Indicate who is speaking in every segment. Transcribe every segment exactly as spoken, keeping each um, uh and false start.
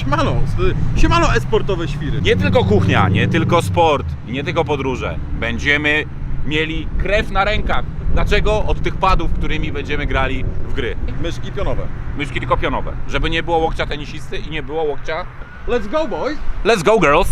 Speaker 1: Siemano, siemano e-sportowe świry.
Speaker 2: Nie tylko kuchnia, nie tylko sport i nie tylko podróże. Będziemy mieli krew na rękach. Dlaczego? Od tych padów, którymi będziemy grali w gry.
Speaker 1: Myszki pionowe.
Speaker 2: Myszki tylko pionowe. Żeby nie było łokcia tenisisty i nie było łokcia...
Speaker 1: Let's go, boys!
Speaker 2: Let's go, girls!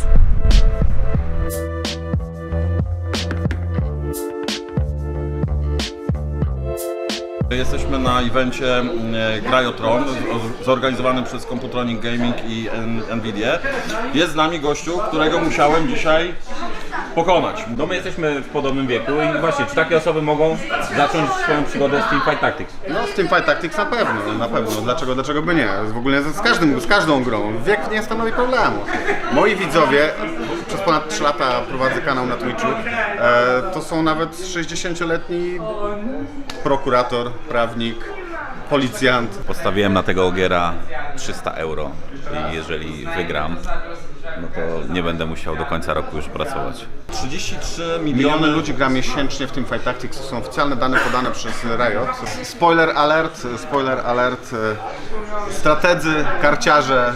Speaker 1: Jesteśmy na evencie Grajotron, zorganizowanym przez Computronic Gaming i Nvidia. Jest z nami gościu, którego musiałem dzisiaj pokonać.
Speaker 2: No my jesteśmy w podobnym wieku i właśnie, czy takie osoby mogą zacząć swoją przygodę z Teamfight Tactics?
Speaker 3: No z Teamfight Tactics na pewno, na pewno. Dlaczego, dlaczego by nie? W ogóle z, każdym, z każdą grą. Wiek nie stanowi problemu. Moi widzowie, przez ponad trzy lata prowadzę kanał na Twitchu, e, to są nawet sześćdziesięcioletni prokurator, prawnik, policjant.
Speaker 2: Postawiłem na tego ogiera trzysta euro i jeżeli wygram, no to nie będę musiał do końca roku już pracować.
Speaker 1: trzydzieści trzy
Speaker 3: Miliony
Speaker 1: miliony
Speaker 3: ludzi gra miesięcznie w Teamfight Tactics, to są oficjalne dane podane przez Riot. Spoiler alert, spoiler alert, strategzy, karciarze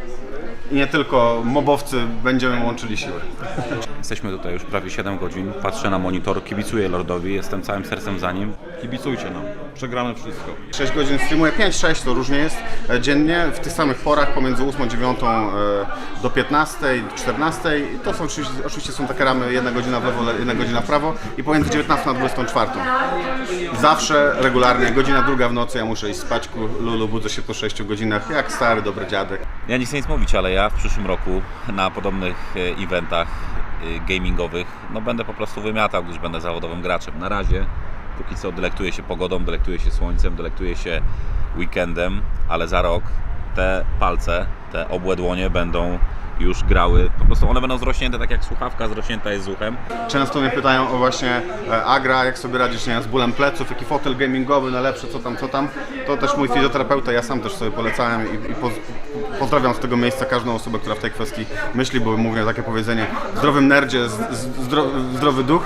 Speaker 3: i nie tylko mobowcy będziemy łączyli siły.
Speaker 2: Jesteśmy tutaj już prawie siedem godzin, patrzę na monitor, kibicuję Lordowi, jestem całym sercem za nim.
Speaker 1: Kibicujcie nam, przegramy wszystko.
Speaker 3: sześć godzin streamuję, pięć sześć to różnie jest dziennie, w tych samych porach pomiędzy ósmą dziewiątą do piętnastej, czternastej. I to są oczywiście, oczywiście są takie ramy, jedna godzina w lewo, jedna godzina w prawo i pomiędzy dziewiętnastą a dwudziestą czwartą. Zawsze, regularnie, godzina druga w nocy, ja muszę iść spać, lulu, budzę się po sześciu godzinach, jak stary, dobry dziadek.
Speaker 2: Ja nie chcę nic mówić, ale ja w przyszłym roku na podobnych eventach gamingowych no będę po prostu wymiatał, gdyż będę zawodowym graczem. Na razie, póki co delektuję się pogodą, delektuję się słońcem, delektuję się weekendem, ale za rok te palce, te obłe dłonie będą już grały, po prostu one będą zrośnięte tak jak słuchawka zrośnięta jest z uchem.
Speaker 3: Często mnie pytają o właśnie e, Agra, jak sobie radzić, nie wiem, z bólem pleców, jaki fotel gamingowy najlepszy, co tam, co tam. To też mój fizjoterapeuta, ja sam też sobie polecałem i, i poz, pozdrawiam z tego miejsca każdą osobę, która w tej kwestii myśli, bo mówię takie powiedzenie, w zdrowym nerdzie, z, z, zdro, zdrowy duch.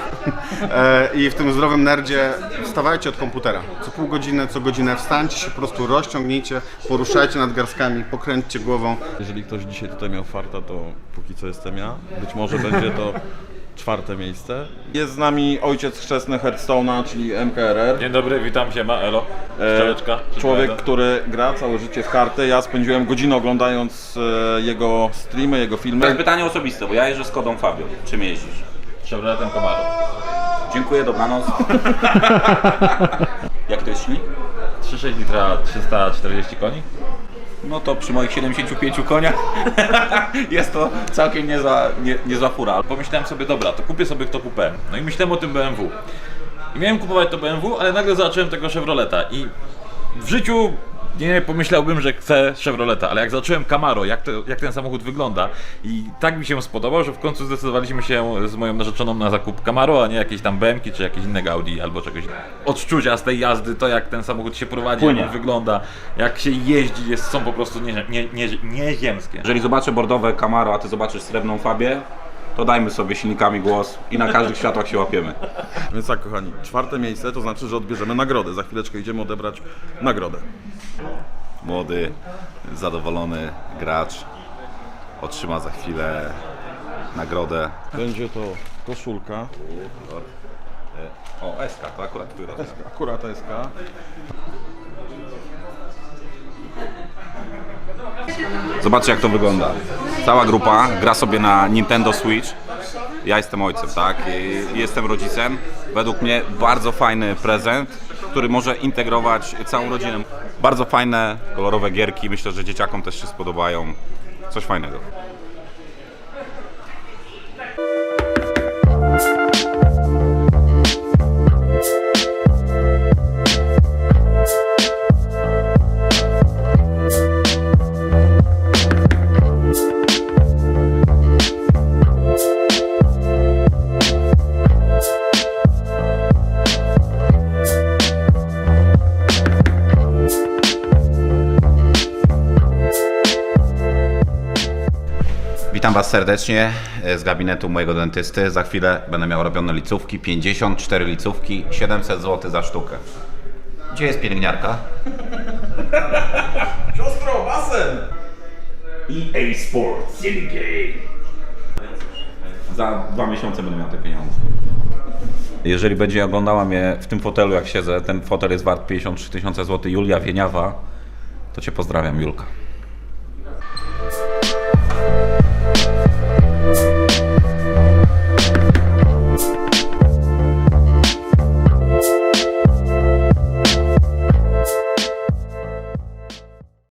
Speaker 3: E, I w tym zdrowym nerdzie wstawajcie od komputera. Co pół godziny, co godzinę wstańcie się, po prostu rozciągnijcie, poruszajcie nadgarstkami, pokręćcie głową.
Speaker 1: Jeżeli ktoś dzisiaj tutaj miał farta, to póki co jestem ja. Być może będzie to czwarte miejsce. Jest z nami ojciec chrzestny Hearthstone'a, czyli M K R R.
Speaker 4: Dzień dobry, witam się, ma elo. Szczeleczka.
Speaker 1: E, człowiek, który gra całe życie w karty. Ja spędziłem godzinę oglądając e, jego streamy, jego
Speaker 2: To
Speaker 1: filmy.
Speaker 2: jest pytanie osobiste, bo ja jeżdżę z Kodą Fabio. Czym jeździsz?
Speaker 4: Chevroletem Camaro.
Speaker 2: Dziękuję, dobranoc. Jak to jest silnik?
Speaker 4: trzy przecinek sześć litra, trzysta czterdzieści koni.
Speaker 2: No to przy moich siedemdziesięciu pięciu koniach jest to całkiem niezła, nie, niezła fura.
Speaker 4: Pomyślałem sobie, dobra, to kupię sobie to coupé. No i myślałem o tym B M W. I miałem kupować to B M W, ale nagle zobaczyłem tego Chevroleta i w życiu nie pomyślałbym, że chcę Chevroleta, ale jak zobaczyłem Camaro, jak, to, jak ten samochód wygląda i tak mi się spodobał, że w końcu zdecydowaliśmy się z moją narzeczoną na zakup Camaro, a nie jakieś tam B M ki czy jakieś innego Audi albo czegoś. Odczucia z tej jazdy, to jak ten samochód się prowadzi,
Speaker 2: Płynie.
Speaker 4: jak on wygląda, jak się jeździ, jest, są po prostu nie, nie, nie, nieziemskie.
Speaker 2: Jeżeli zobaczę bordowe Camaro, a ty zobaczysz srebrną Fabię, to dajmy sobie silnikami głos i na każdych światłach się łapiemy.
Speaker 1: Więc tak, kochani, czwarte miejsce to znaczy, że odbierzemy nagrodę. Za chwileczkę idziemy odebrać nagrodę.
Speaker 2: Młody, zadowolony gracz otrzyma za chwilę nagrodę.
Speaker 1: Będzie to koszulka.
Speaker 2: O, S K, to akurat która?
Speaker 1: Akurat S K.
Speaker 2: Zobaczcie jak to wygląda. Cała grupa gra sobie na Nintendo Switch. Ja jestem ojcem, tak? I jestem rodzicem. Według mnie bardzo fajny prezent, który może integrować całą rodzinę. Bardzo fajne, kolorowe gierki. Myślę, że dzieciakom też się spodobają. Coś fajnego. Witam Was serdecznie z gabinetu mojego dentysty. Za chwilę będę miał robione licówki, pięćdziesiąt cztery licówki, siedemset złotych za sztukę. Gdzie jest pielęgniarka?
Speaker 1: Siostro, basen!
Speaker 2: E A Sports Syndicate. Za dwa miesiące będę miał te pieniądze. Jeżeli będzie oglądała mnie w tym fotelu jak siedzę, ten fotel jest wart pięćdziesiąt trzy tysiące złotych, Julia Wieniawa, to Cię pozdrawiam, Julka.